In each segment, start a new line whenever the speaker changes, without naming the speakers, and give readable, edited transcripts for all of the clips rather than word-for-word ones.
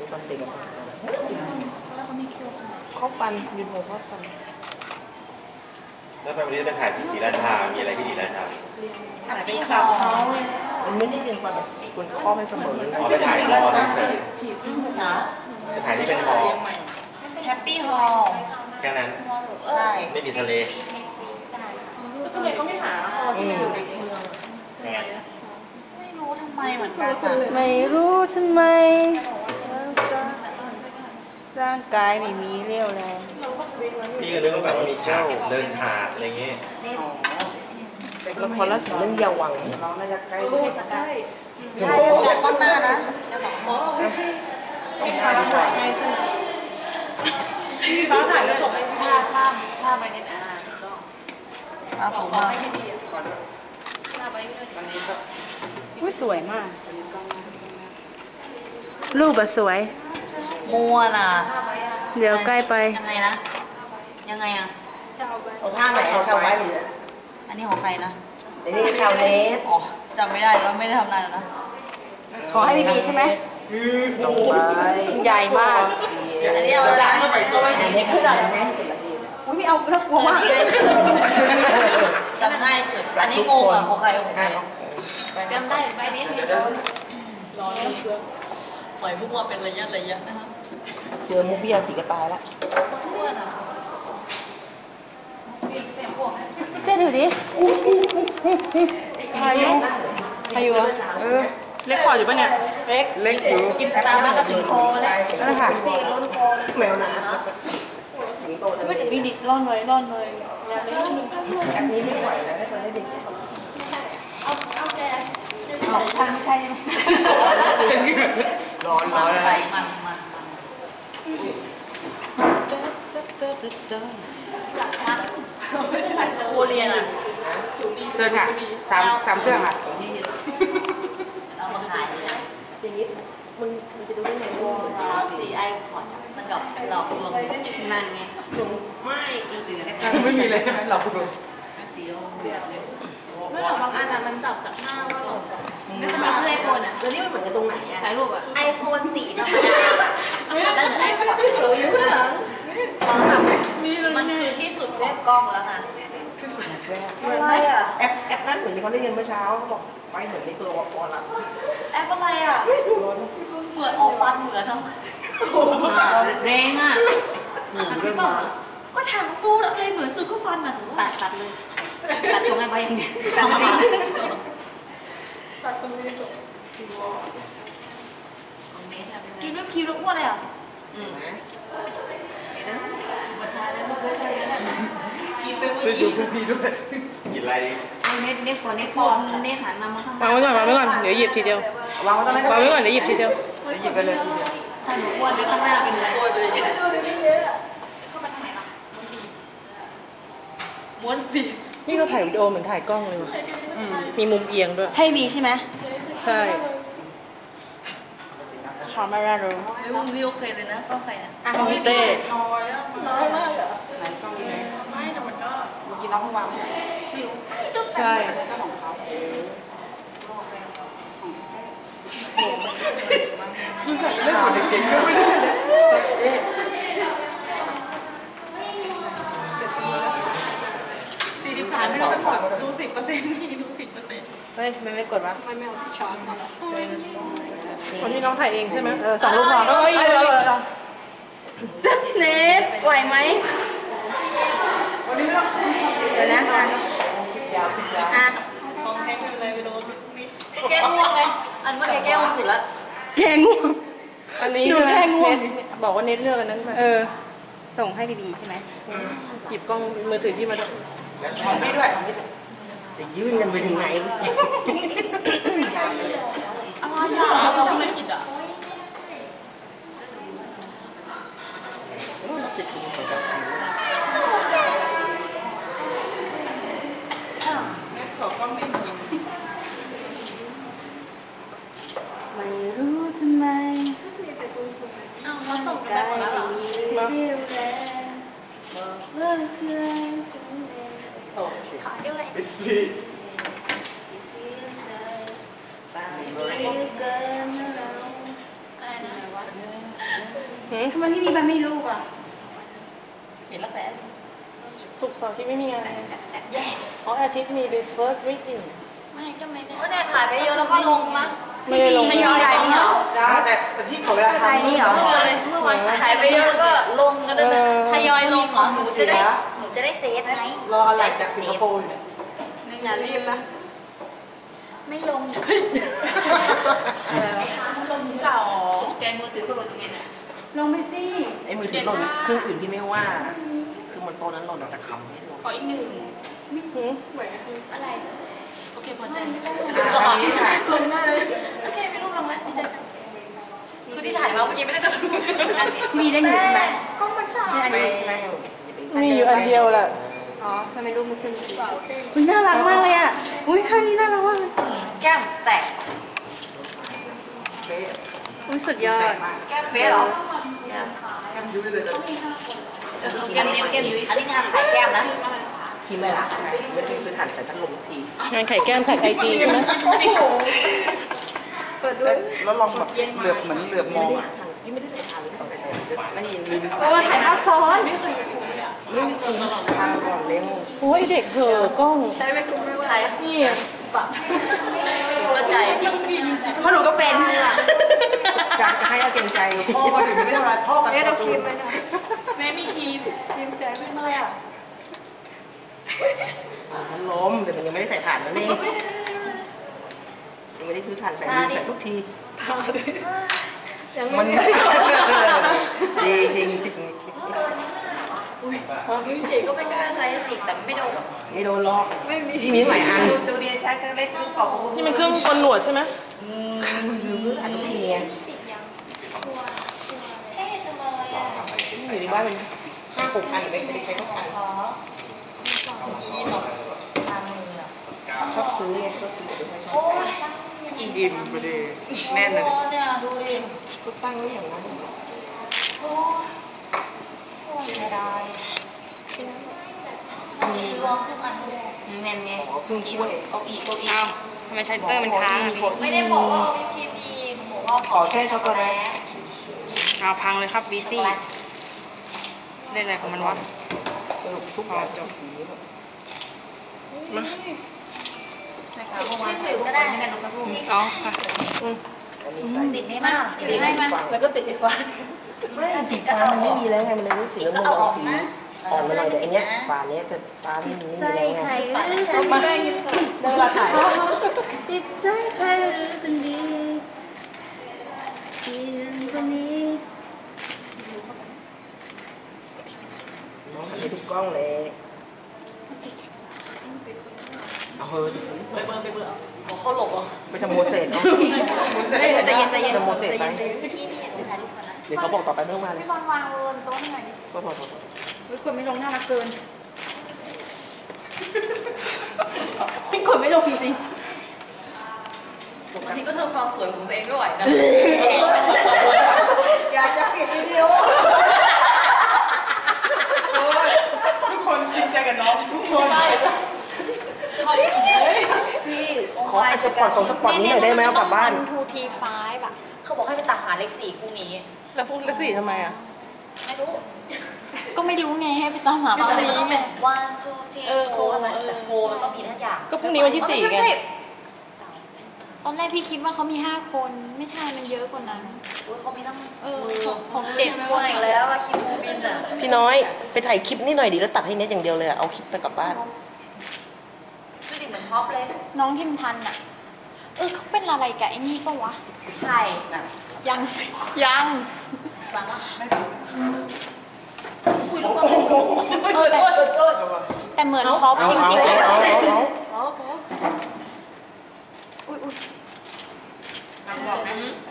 ตอนเด็ก
แล้วเขามีคิว
เขาฟันยืนโหเขาฟัน
แล้วไปวันนี้จะไปถ่ายที่ศรีราชามีอะไรที่ศรีราชา
ถ่ายเป็นคลับเขา
มันไม่ได้เรียนฟันแบบคุณข้อไม่เสมอ
ไปถ่ายคอเฉย
นะ
ไปถ่ายที่เป็นคอ
แฮปปี้ฮอล
แค่นั้น
ใช่
ไม่มีทะเล
ทำไมเขาไม่หาฮอที่มันอยู่ในเมือง
ไม่รู้ทำไมเหมือนกัน
ไม่รู้ทำไมร่างกายไม่มีเรี่ยวแรง
พี่ก็นึกว่าแบบว่ามีฉากเดินหาดอะไรเงี้ย
ละครล่าสุดเรื่องเยาวังน้องน่าจะใกล้
ใช่จัดต้องหน้านะจะสองคน
พี่ฟ้าถ่ายให้ใช่ไหมพี่ฟ้าถ่ายแล้วส่งให้
ภาพไปในหน้าก็เอาผมมา
อุ้ยสวยมากรูปอะสวย
มัวน่ะ
เดี๋ยวใกล้ไป
ยังไงนะยังไงอะ
เอาท่าไหนชาวไว้หรือ
อันนี้ของใครนะ
อันนี้ชาวเนส
อ๋อจำไม่ได้แล้วไม่ได้ทำนานแล้วนะ
ขอให้มีใช่ไหมลงไปใหญ่มาก
อันนี้เอาละ
อันนี้คืออะไรแม่สุดละดีอุ้ยไม่เอาแล้วกลัวมาก
จำง่ายสุดอันนี้งงอ่ะของใครของใครจำได้ไปนิดเดียวรอเชื่อปล่อยพวกเราเป็นระยะนะครับ
เจอมุกเบี้ยสีกระตายแล้วเต้นถือดิพายุ
เล็กคออยู่ปะเนี่ย
เล็กอยู่
กินสตาร์บัคก็ถึงคอแล้ว
นั่นค่ะแมวน้สิงโตทะเล
มีดิร่อนเลยอยากเล่น
อันนี้ไม่ไหวแล้วให้คนได้เด็ก
เอาแก
ทางไม่ใช่ไหมร้อน
ไปมันโคเรียนอ่ะ
เสื้อค่ะสามเสื้อค่ะ
เอามาขายเลย
อย่างนี้มึงจะดูได้ไงว่า
ชอบสีไอพอดมันแบบหลอกลวงนั่นไง
ไม่เหลือไม่มีเลยหลอกลวง
ไม่หรอกบางอันอ่ะมันจับจากหน้าว่าเราไม่ทำไมเสื้อไอโฟนอ่ะ
แล้วนี่มันเหมือนกันตรงไหนอ่ะ
ถ่ายรูปอ่ะ
ไอโฟนสีธรรมดานั่นเหมือนไอพอดมันคือที่สุดของกล้องแล้วนะ
ที่สุด
อะไรอ่ะ
แอปนั้นเหมือนที่เขาเล่นกันเมื่อเช้าเขาบอกไปเหมือนในตัววอลล์ละ
แอปอะไรอ่ะเหมือนออกฟันเหมือนเนาะ
แรงอ่ะ
ก็ถามตูดอะไรเหมือนสุดก็ฟันอ่ะตัดเลยตัดตรงไหนไปยังไงตัดตรงนี้กินด้วยคิวแล้วอ้วนเลยอ่ะ
ช่วยดูพี่ด้วยกินอะไรดิ
เน็ตพอเน็ตหันมาข้าง
วางไว้ก่อนเดี๋ยวหยิบทีเดียววางไว้ก่อนเดี๋ยวหยิบทีเดียวหยิบไปเลยทีเดียว
ถ้าหนูอ้วนเลยข้างหน้าเป็นตัวไปเลยม้วนฟี
นี่เขาถ่ายวิดีโอเหมือนถ่ายกล้องเลยมีมุมเอียงด้วย
ให้มีใช่ไหม
ใช่คาเมราโร
มุมนี้โอเคเลยนะกล้องใครอ่ะ
กล้องเต้
น้อยมากเหรอ
ไหนกล้องนี้
ไม่แต่มันก็
เมื่อกี้น้องเพิ่งวาง
ไม่รู้
ใช่ของเขาคือใส่เล่นของเด็กๆก็ไม่ได้
43ไม่ต้องไปกดดู10%นี่ดู10%
เฮ้ยไม่กดวะ
ไม่เอาที่ช้อนมา
คนที่น้องถ่ายเองใช่ไหม2 รูปพอแล้วก็อีกเน็ตไหวไหมวันนี้เดี๋ยวนะ
ของแห้งอะไรไปโดน
แก้ง่วงไงอันว่าแก้ง่วงสุดละ
แก้ง่วงอันนี้แก้ง่วงบอกว่าเน็ตเลือกอันนั้นไปส่งให้บีใช่ไหมหยิบกล้องมือถือที่มาด้วยไม่ด้วยจะยื่นกันไปถึงไหน
อะไรอ่ะเราทำไมผิดอ่ะ
ไม่รู้ทำไม
มาส่งกันหมดแล้วเหรอ
ขายด้วยสิ
ทำไมพี่บีมาไม่รู้อ่ะ
เห็นแล้วแฟน
ศุกร์เสาร์ที่ไม่มีงาน
yes
อ๋ออาทิตย์มีเป็น first reading
ไม่ก็ไม่ได้ก็เนี่ยถ่ายไปเยอะแล้วก็ลงมะ
ไม่ได้ลง
ทยอยถ่ายนี่เหรอ
จ้าแต่พี่ขอเวลา
ถ่าย
ทำ
นี่เหรอ
เชื่อเลยถ่ายไปเยอะแล้วก็ลงกันด้วยนะทยอยลงเหรอหนูจะได้เซฟไง
รออะไรจากสิงคโปร์อยู่เนี่ย
อย่ารีบนะไม่ลงลงเก่าแกมือถือก็ลงยังไงเนี่ย
ลงไปสิ
ไอ้มือถือหล่นเครื่องอื่นพี่ไม่ว่า คือมันโตะนั้นหล่นแต่คำไม่หล่น
ขออีกหนึ่ง
หืม
อะไรโอเคพอใจ
อันนี้ค่ะ
ลงได้เลยโอเคไม่รู้ลงแล้วดีใจจังคือที่ถ่ายมาเมื่อกี้ไม่ได้จะดู
พี่บีได้อยู่ใช่ไหม
กล้องมันจ่า
นี่อันนี้ใช่ไหม
มีอยู่อันเดียวแหละ
อ๋อทำไมรูปไม่ขึ้นอุ้ยน่ารักมากเลยอ่ะอุ้ยท่านี้น่ารักมากเลย
แก้มแตก
อุ้ยสุดยอด
แก้มเป๊ะเหรอ
แก้มยุ้ยเลย
แก้มยุ้ยอันนี้งานขายแก้มนะ
ทีไม่รักไงไม่ได้ซื้อถ่านใส่พัดลมที
งานไข่แก้มแท็กไอจีใช่ไหม
แล้วลองแบบเหลือบเหมือนเหลือบมองพี่ไม่ได้ใส่ถ่านเลยไม่ยินลืม
เพราะว่าถ่ายภาพซ้อน
ลืมทางก่อนเล้ง
โอ้ยเด็กเถอะกล้อง
ใช้ไม่คุ้มไม่ว่าไร
นี่
เข้าใจ
เพราะหนูก็เป็น
จะให้เอาเกรงใจพ่อมาถึงไม่ทำอะไรพ่อกันต่อจูน
แม่มีครีมแช่เป็นอะไรอ่ะ
มันล้มแต่มันยังไม่ได้ใส่ถ่านนั่นเองยังไม่ได้ซื้อถ่านใส่ลืมใส่ทุกทีมันดีจริงจริง
เก๋ก็ไม่กล้าใช้สิแต่ไม่โดน
ไม่โดนล็อกพี่มีหลายอัน
ดูดีใช้ก็ได้ซื้อของ
นี่มันเครื่องกลหนวดใช่ไหม
ลืมซื้อถ่านทุกทีไง
เท่จังเลยอ่ะ
อยู่ในบ้านมัน5-6 อันไม่ได้ใช้ทุกอัน
ขอคีมหรอทามืออ่ะ
ชอบซื้อไงชอบซื้อ
โอ้ย
อิ่มไปดิแน่นเลย
เนี่ยดูดิ
ก็ตั้งไว้อย่างนั้น
โอ้ยไม่ได้ซื้อเอาครึ่งอันแน่นไง
เพิ่งถ้วย
เอาอีก
ทำไมใช้เตอร์มันค้างอ่ะพี่
ไม่ได้บอกว่าเอาวิปครีมอีกบอกว่า
ขอแค่ช็อกโกแลต
เอาพังเลยครับบีซี่เล่นอะไรของมันวะ
สรุปทุกอย่างจบสี
ไม่ถือก็ได้ไม่ได้น้องจะพูด
อ๋อค่ะ
ติดไม่มากติดไม่มาก
แล้วก็ติดไอ้ฟ้าไม่สีฟ้ามันไม่มีแล้วไงมันเลยรู้สีน้ำเงินออกสีอ่อนมาหน่อยแต่อันเนี้ยฟ้าเนี้ยจะฟ้าไม่มีแล้วไง
ปาดใช่ไหม
ได้เวลาถ่าย
ติดใจใครหรือคนดีที่นั่นคนนี้
น้องทำให้ถูกกล้องเลยเอาเฮ้ย
ไปเบอร์เขาหลบอ่ะ
ไปทำโมเสสเนาะ
ใจเย็นใจเย็น
ทำโมเสสไป
พี่นี่ถ่ายรูปก่อนนะ
เดี๋ยวเขาบอกต่อไปไม่ต้องมาเลย
พี่บอลวางบนโต๊ะหน่อย
ก็พอ
อุ้ยกดไม่ลงน่ารักเกินพี่กดไม่ลงจริง
บางทีก็เธอความสวยของตัวเองไม่ไหวนะ
อยากจะปิดวิดีโอทุกคนจริงใจกับน้องทุกคน ขออาจจะปลอดสองสปอตนี้หน่อยได้ไหมเอากลับบ้าน
ทูทีไฟแบบเขาบอกให้ไปตักหาเลข4คู่นี้
แล้วพูดเลขสี่ทำไมอ่ะ
ไม่รู้
ก็ไม่รู้ไงให้ไปตามหา
ตอนนี้มันต้องเป็น one two three four ใช่ไหมแต่ four มันต้องมีทุกอย่าง
ก็พรุ่งนี้วันที่สี่ไง
ตอนแรกพี่คิดว่าเขามี 5 คนไม่ใช่มันเยอะกว่านั้น
เขามีทั้ง
เออ
มือ
ของเจ็ด
คนอีกแล้วอะคิวบินอะ
พี่น้อยไปถ่ายคลิปนี่หน่อยดิแล้วตัดให้เน็ตอย่างเดียวเลยเอาคลิปไปกลับบ้าน
ดูดิเหมือนท็อปเลย
น้องที่มันทันอ่ะเขาเป็นอะไรกับไอ้นี่ปะวะ
ใช่นะ
ยังยัง
ฟังว่าอุ้ยลูก
แต่เหมือนท็อป
เอา
จริงๆเลย
เอา
อุ้ย
ฟังบอกนะ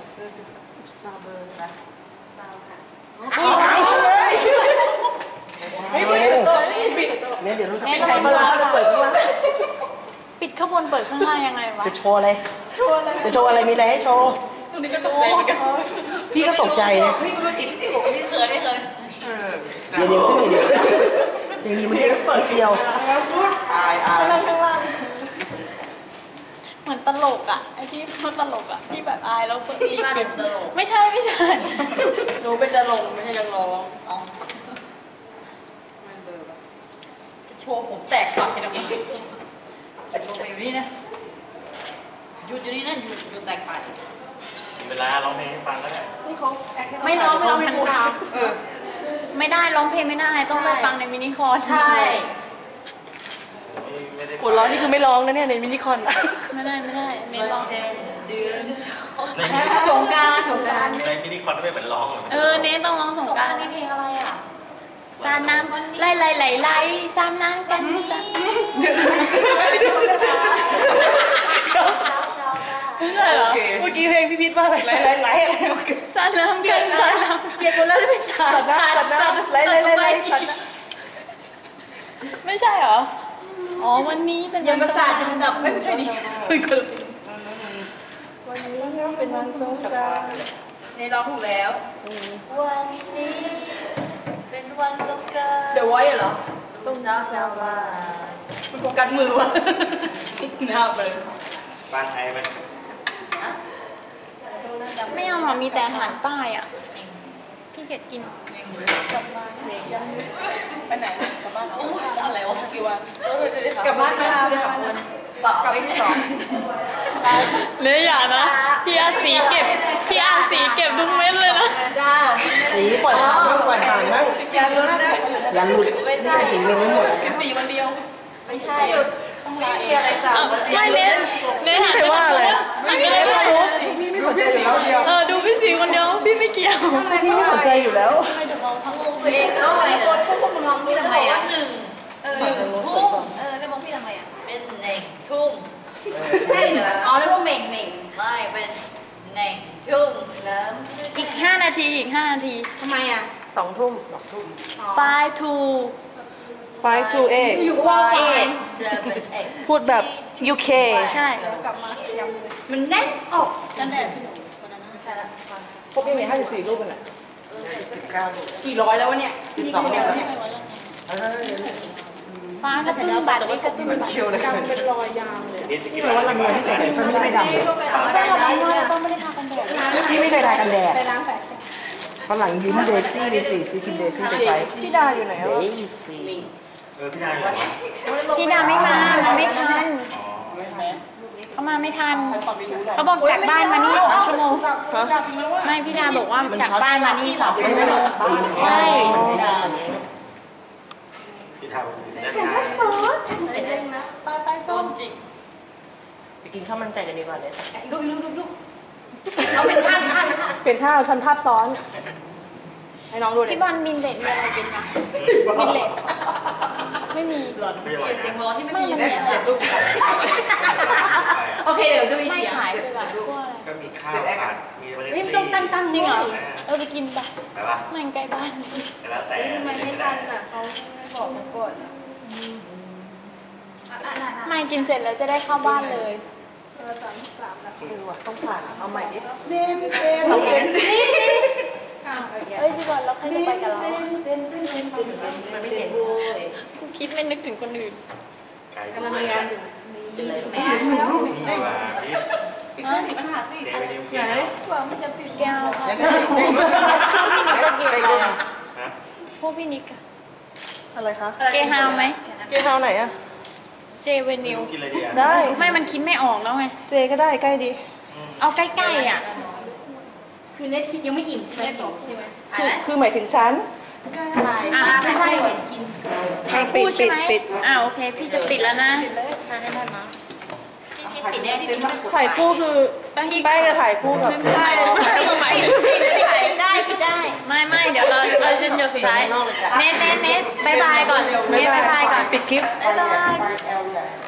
เนี่ยเดี๋ยวรู้สึก
แม่
เป็น
ก็
ใคร
มา
มา
ลา
เปิดข้างล่าง
ปิดข้างบนเปิดข้างล่างยังไงวะ
จะโชว์อะไรจะโชว์อะไรมีอะไรให้โชว์
ตรงนี้ก็ตกใจเหมือนกัน
พี่ก็ตกใจเนี่ย
เฮ้ยมันติดที่ผมไม่เคยได้เลย
เดี๋ยวขึ้นเดี๋ยวอย่างนี้มันแค่เปิดเดียวอาย
นั่งข้างล่างเหมือนตลกอ่ะไอ้ที่พูดตลกอ่ะที่แบบอายแล้วเปิดอีก
มาดูตลก
ไม่ใช่
หนูเป็นดารงไม่ใช่นักร้องอ๋อจะโชว์ผมแตกฝักให้ทำไมลงไปอยู่นี่นะหยุดอยู่นี่นะหยุดแตกไป
เวลาร้องเพลงให้ฟังก็ได้
นี่เขาแอค
ไม่ร้องไม่ร้องไม่พูด
ไม่ได้ร้องเพลงไม่ได้ต้องไปฟังในมินิคอร์ส
ใช่
ไม่ได้
หัวเร้อนนี่คือไม่ร้องนะเนี่ยในมินิคอน
ไม่ได้เมนร้อง
เพลงเดือน
ใน
สงการ
ในมินิคอนไม่เหมือนร้อง
เนทต้องร้องสง
สง
กราร
าร นี่เพลงอะไรอ่ะ
สาดน้ำไหลสาดน้ำกัน
เช้า
ใช่เหรอ
เมื่อกี้เพลงพี่พิษว่าอะไรไหล
สาดน้ำกันสาดน้
เปลี่ยนคนแล้วได้เป็นสา
สัตว์น้ำไหลสัตว์
ำไม่ใช่เหรออ๋อวันนี้เป็น
ยังประสาทยังจับไม่ใช่ดิ
วันนี้เป็นวันสงกรานต์
ในร้องถูกแล้ววันนี้เป็นวันสงกรานต์เดี๋ยวไว้เหรอส้มเช้าบ้าน
มันโฟกัสมือวะหน้าไป
บ้านไทยไหม
ไม่เอาหรอมีแต่อาหารใต้อ่ะพี่เกดกิน
ไปไหนกลับบ้านอะไรวะกี่วันกลับบ้านมาเลยค่ะวันเปล่าไม่ได้
เลยอย่านะพี่อาสีเก็บทุกเม็ดเลยนะ
จ้า
สีปล่อยผ่านบ้างปล่อยผ่านบ้าง
อย่าลุ้นนะ
อย่าหลุดสีเมงไม่หมด
ปีวันเดียวไม่ใช่ต้องมีอะไรสาม
ไม่เน้นหัน
ใครว่าอะไร
ไม่
ไม่
เน้น
รู้พี่ไม่สนใจอยู่แล้ว
ดูพี่สีคนเดียวพี่ไม่เกี่ยว
พี่ไม่สนใจอยู่แล้ว
ตัวเองแล้วอะไรคนพวกมึงร้องพี่ทำไมอ่ะหนึ่งทุ่งได้บอกพี่ทำไมอ่ะเป็นหนึ่งทุ่งใช่เหรออ๋อเรียกว่าเหม่งไม่เป็นหนึ่งทุ่งแล้ว
อีก5 นาที
ทำไมอ่ะ
2 ทุ่ม
5 to
5 to 8
อยู่ว่าเอง
พูดแบบ UK
ใช่
มันแน่นออก
นั่นแหละ
พวกพี่มี54รูปกันอ่ะ
กี่ร้อยแล้ววะเนี่ย
12เนี่ย
ฟ้ากระตุ้นบัตรนี่กระตุ้นบัตร
เชียวเลย
เป็นรอยยาวเลย
นี่จะกิน
เพราะว่าลำเนินที่ใส่ฟันไม่ได้ดำเลย
ต้องไม่ได้ทากันแดด
พี่ไม่เคยทากันแดด
ไปล้างแผลใช่
ฝรั่งยิ้มเดซี่ดีสิซื้อกินเดซี่ไปใช้
พี่ดาอยู่ไหน
เด
วะ
ซี่
พี่นายอยู่ไหน
พี่ดาไม่มาไม่ทัน
อ๋อ
เขามาไม่ทันเขาบอกจากบ้านมานี่2 ชั่วโมงไม่พี่ดาบอกว่าจากบ้านมานี่2 ชั่วโมงใช่
พี่ทำได้ชา
ไปส้มจิก
ไปกินข้าวมันไก่กันดีกว่าเลย
ลูกเอาเป็นท่า
เป็นท่าทำภาพซ้อน ให้น้องดูดิ
พี่บอลบินเลดมีอะไรกินคะบินเลดไม่มี
ไม่ไหว
เสียง
นะ
ร้องที่ไม่มีเสียง
โอเคเดี๋ยวจะมี
ไม่
เสียง
ขายเลยแบบพวกอะไร
ก็มีข้าวผัดมีเมล็ด
นี่
ซี
ต้องตั้ง
จริงเหรอไปกินปะ
ไปปะ
มันใกล้บ้าน
แล้วแต่
ทำไมไม่ทันอ่ะเขาไม่บอกมาก่อน
ไม่กินเสร็จแล้วจะได้เข้าบ้านเลย
ต้องผ่านเอาใหม่ดิ
เต็มเอาเต็มนี่อ้าว
เอ้ยพี่บอลแล้วใครจะไปกับเรา
มันไม่เห็น
กูคิดไม่นึกถึงคนอื่น
ไก่
กำลังงานอยู่
แม่
นี่ว่าพี่
ปิดเครื่องติดปัญหาสิ
เดวิดนิว
ไหน
เกียร์
ว่ามันจะติด
แก้ว
แล้วก็
พวกพี่นิกกับเกย์อะไรอะ
นะ
พวกพี่นิกอะ
อะไรคะ
เกย์ฮาวไหม
เกย์เฮาไหนอะ
เจเวนิว
กินอะไรดีอ่ะ
ได้
ไม่มันคิดไม่ออกแล้วไง
เจก็ได้ใกล้ดี
เอาใกล้ๆอ่ะ
คือเน็ตคิดยังไม่อิ่มใช่ไหมอิ่มใช่ไหม
คือหมายถึงฉัน
อ่ะ
ไม่ใช่เห็นกิน
ถ่ายคู่ใช่ไหมโอเค พี่จะปิดแล้วนะ
พี่ปิดได้พี่ปิดไม่กด
ถ่ายคู่คือแป้งจะถ่ายคู่กับ
ไม่ถ่ายได้ปิดได้ ไม่เดี๋ยวเราจะหยุดสุดท้ายเน็ตบายบายก่อนเน็ตบายบายก่อน
ปิดคลิป
บ๊ายบาย